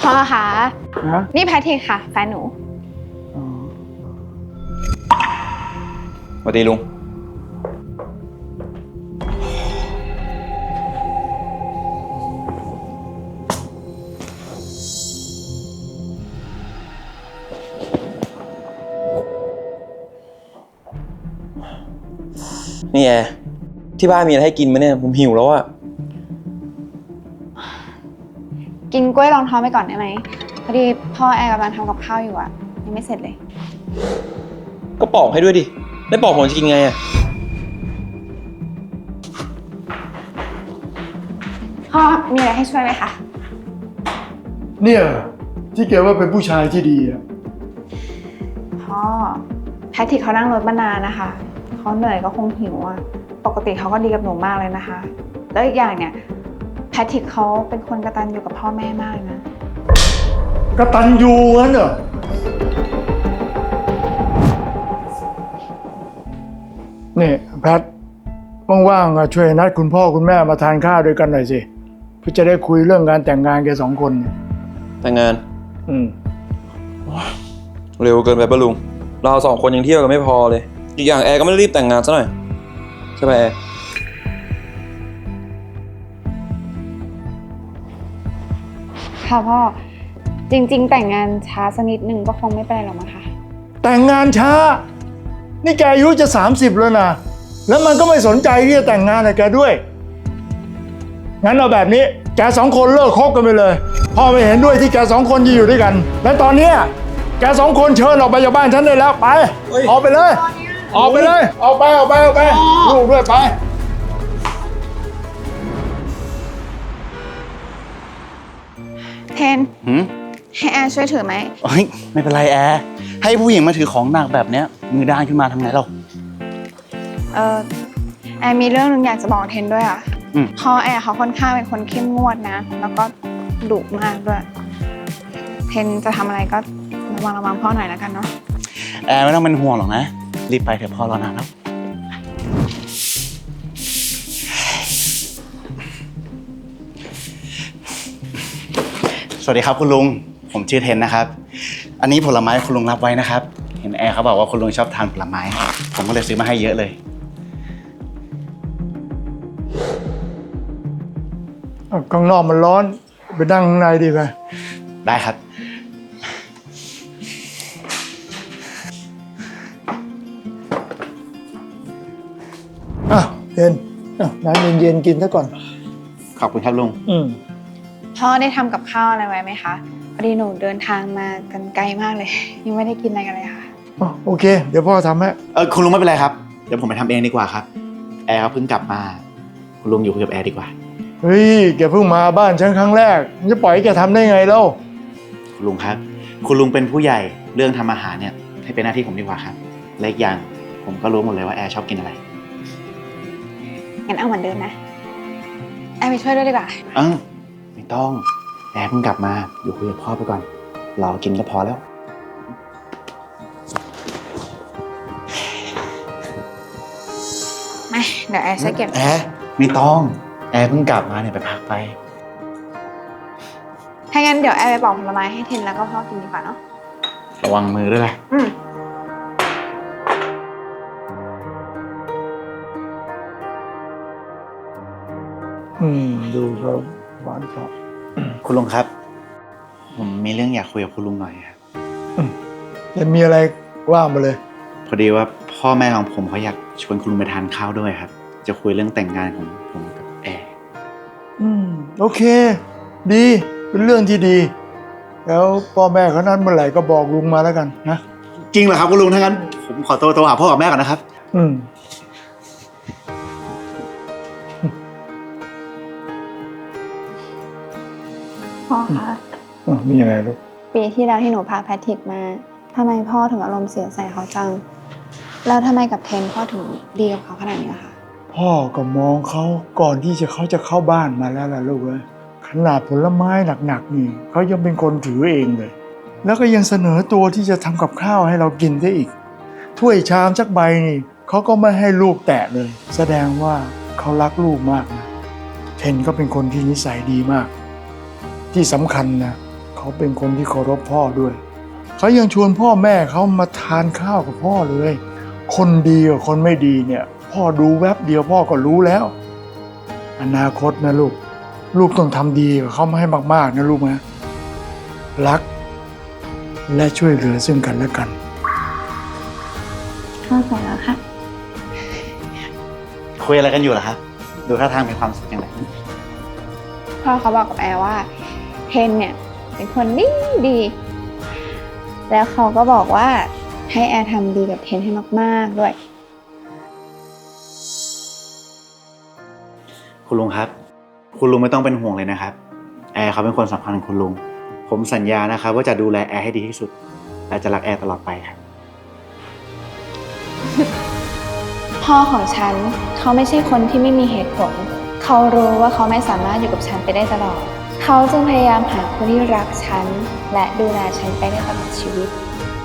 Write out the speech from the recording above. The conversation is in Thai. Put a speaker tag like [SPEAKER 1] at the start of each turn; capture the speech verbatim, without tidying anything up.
[SPEAKER 1] พ่อคะ
[SPEAKER 2] ฮะ
[SPEAKER 1] นี่แพทริกค่ะแฟนหนู
[SPEAKER 3] สวัสดีลุงนี่แอร์ที่บ้านมีอะไรให้กินไหมเนี่ยผมหิวแล้วอะ
[SPEAKER 1] กินกล้วยรองท้องไปก่อนได้ไหมพอดีพ่อแอร์กำลังทำกับข้าวอยู่อะยังไม่เสร็จเลย
[SPEAKER 3] ก็ปอกให้ด้วยดิไม่ปอกผมจะกินไงอะ
[SPEAKER 1] พ่อมีอะไรให้ช่วยไหมคะ
[SPEAKER 2] เนี่ยที่แกว่าเป็นผู้ชายที่ดีอะ
[SPEAKER 1] พ่อแพทริกเขานั่งรถมานานนะคะเขาเหนื่อยก็คงหิวอะปกติเขาก็ดีกับหนูมากเลยนะคะ แล้วอีกอย่างเนี่ยแพทริกเขาเป็นคนกตัญญูกับพ่อแม่มากนะ
[SPEAKER 2] กตัญญูงั้นเหรอนี่แพทว่างๆอะช่วยนัดคุณพ่อคุณแม่มาทานข้าวด้วยกันหน่อยสิเพื่อจะได้คุยเรื่องการแต่งงานแกสองคนเนี่ย
[SPEAKER 3] แต่งงาน
[SPEAKER 2] อืม
[SPEAKER 3] เร็วเกินไปปะลุงเราสองคนยังเที่ยวกันไม่พอเลยอีกอย่างแอร์ก็ไม่ได้รีบแต่งงานซะหน่อยใช่ไหมแอร์
[SPEAKER 1] ค่ะพ่อจริงๆ แต่งงานช้าสักนิดนึงก็คงไม่เป็นไรหรอกมั้งคะ
[SPEAKER 2] แต่งงานช้า นี่แกอายุจะสามสิบแล้วนะแล้วมันก็ไม่สนใจที่จะแต่งงานกับแกด้วยงั้นเอาแบบนี้แกสองคนเลิกคบกันไปเลยพ่อไม่เห็นด้วยที่แกสองคนจะอยู่ด้วยกัน และตอนเนี้ยแกสองคนเชิญออกไปจากบ้านฉันได้แล้วไปออกไปเลย ออกไปเลยออกไปออกไปออกไปลูกด้วยไป
[SPEAKER 1] เทน
[SPEAKER 4] หืม
[SPEAKER 1] ให้แอร์ช่วยถือไหม
[SPEAKER 4] โอ้ยไม่เป็นไรแอร์ให้ผู้หญิงมาถือของหนักแบบเนี้ยมือด้านขึ้นมาทำไงเรา
[SPEAKER 1] เออแอร์มีเรื่องนึงอยากจะบอกเทนด้วยอ่ะ
[SPEAKER 4] อืม
[SPEAKER 1] พ่อแอร์เขาค่อนข้างเป็นคนเข้มงวดนะ แล้วก็ดุมากด้วย เทนจะทำอะไรก็ระวังระวังพ่อหน่อยแล้วกันเนาะ
[SPEAKER 4] แอร์ไม่ต้องเป็นห่วงหรอกนะรีบไปเถอะพ่อรอนานแล้วสวัสดีครับคุณลุงผมชื่อเทนนะครับอันนี้ผลไม้คุณลุงรับไว้นะครับเห็นแอร์เขาบอกว่าคุณลุงชอบทานผลไม้ผมก็เลยซื้อมาให้เยอะเลย
[SPEAKER 2] ข้างนอกมันร้อนไปนั่งข้างในดีไป
[SPEAKER 4] ได้ครับ
[SPEAKER 2] อ่ะเย็นอ่ะน้ำเย็นๆกินซะก่อน
[SPEAKER 4] ขอบคุณครับลุง
[SPEAKER 2] อืม
[SPEAKER 1] พ่อได้ทำกับข้าวอะไรไว้ไหมคะพอดีหนูเดินทางมากันไกลมากเลย ยังไม่ได้กินอะไรกันเลยค่ะ
[SPEAKER 2] อ๋อโอเค เดี๋ยวพ่อทำให้
[SPEAKER 4] เออคุณลุงไม่เป็นไรครับเดี๋ยวผมไปทำเองดีกว่าครับแอร์เขาเพิ่งกลับมาคุณลุงอยู่คุยกับแอร์ดีกว่า
[SPEAKER 2] เฮ้ยแกเพิ่งมาบ้านฉันครั้งแรกจะปล่อยให้แกทำได้ไงเล่า
[SPEAKER 4] คุณลุงครับคุณลุงเป็นผู้ใหญ่เรื่องทำอาหารเนี่ยให้เป็นหน้าที่ผมดีกว่าครับและอีกอย่างผมก็รู้หมดเลยว่าแอร์ชอบกินอะไร
[SPEAKER 1] งั้นเอาเหมือนเดิมนะ แอร์ไปช่วยด้วยดีกว่า
[SPEAKER 4] เออไม่ต้องแอร์เพิ่งกลับมาอยู่คุยกับพ่อไปก่อนเรากินก็พอแล้ว
[SPEAKER 1] มาเดี๋ยวแอร์ช่วยเก็บ
[SPEAKER 4] แอร์ไม่ต้องแอร์เพิ่งกลับมาเนี่ยไปพักไป
[SPEAKER 1] ถ้างั้นเดี๋ยวแอร์ไปปอกผลไม้ให้เทนแล้วก็พ่อกินดีกว่าเนาะ
[SPEAKER 4] ระวังมือด้วยล่ะ
[SPEAKER 1] อืม
[SPEAKER 2] อืมดูแล้วหวานชอบ
[SPEAKER 4] คุณลุงครับ ผมมีเรื่องอยากคุยกับคุณลุงหน่อยครับ
[SPEAKER 2] จะมีอะไรว่ามาเลย
[SPEAKER 4] พอดีว่าพ่อแม่ของผมเขาอยากชวนคุณลุงไปทานข้าวด้วยครับ จะคุยเรื่องแต่งงานของผมกับแอร์
[SPEAKER 2] อืมโอเค ดีเป็นเรื่องที่ดี แล้วพ่อแม่เขานั้นเมื่อไหร่ก็บอกลุงมาแล้วกันนะ
[SPEAKER 4] จริงเหรอครับคุณลุงถ้างั้นผมขอตัวโทรหาพ่อกับแม่ก่อนนะครับ
[SPEAKER 2] อืม
[SPEAKER 1] พ่อคะ
[SPEAKER 2] อ่ะมีอะไรลูก
[SPEAKER 1] ปีที่แล้วที่หนูพาแพทริกมาทำไมพ่อถึงอารมณ์เสียใส่เขาจัง แล้วทำไมกับเทนพ่อถึงดีกับเขาขนาดนี้ล่ะคะ
[SPEAKER 2] พ่อก็มองเขาก่อนที่จะเขาจะเข้าบ้านมาแล้วล่ะลูกเอ้ยขนาดผลไม้หนักๆนี่เขายังเป็นคนถือเองเลย แล้วก็ยังเสนอตัวที่จะทำกับข้าวให้เรากินได้อีก ถ้วยชามสักใบนี่เขาก็ไม่ให้ลูกแตะเลย แสดงว่าเขารักลูกมากนะเทนก็เป็นคนที่นิสัยดีมาก ที่สำคัญนะเขาเขาเป็นคนที่เคารพพ่อด้วย เขายังชวนพ่อแม่เขามาทานข้าวกับพ่อเลย คนดีกับคนไม่ดีเนี่ย พ่อดูแวบเดียวพ่อก็รู้แล้ว อนาคตนะลูก ลูกต้องทำดีกับเขาให้มากๆนะลูกนะ รัก และช่วยเหลือซึ่งกันและกัน
[SPEAKER 1] เข้าใจแล้วค่ะ
[SPEAKER 4] คุยอะไรกันอยู่เหรอครับ ดูท่าทางมีความสุขอย่างไร
[SPEAKER 1] พ่อเขาบอกกับแอร์ว่าเทนเนี่ยเป็นคนดีดี แล้วเขาก็บอกว่าให้แอร์ทำดีกับเทนให้มากๆด้วย
[SPEAKER 4] คุณลุงครับ คุณลุงไม่ต้องเป็นห่วงเลยนะครับ แอร์เขาเป็นคนสำคัญของคุณลุง ผมสัญญานะครับว่าจะดูแลแอร์ให้ดีที่สุด และจะรักแอร์ตลอดไปครับ
[SPEAKER 1] พ่อของฉันเขาไม่ใช่คนที่ไม่มีเหตุผล เขารู้ว่าเขาไม่สามารถอยู่กับฉันไปได้ตลอด เขาจึงพยายามหาคนที่รักฉันและดูแลฉันไปได้ตลอดชีวิต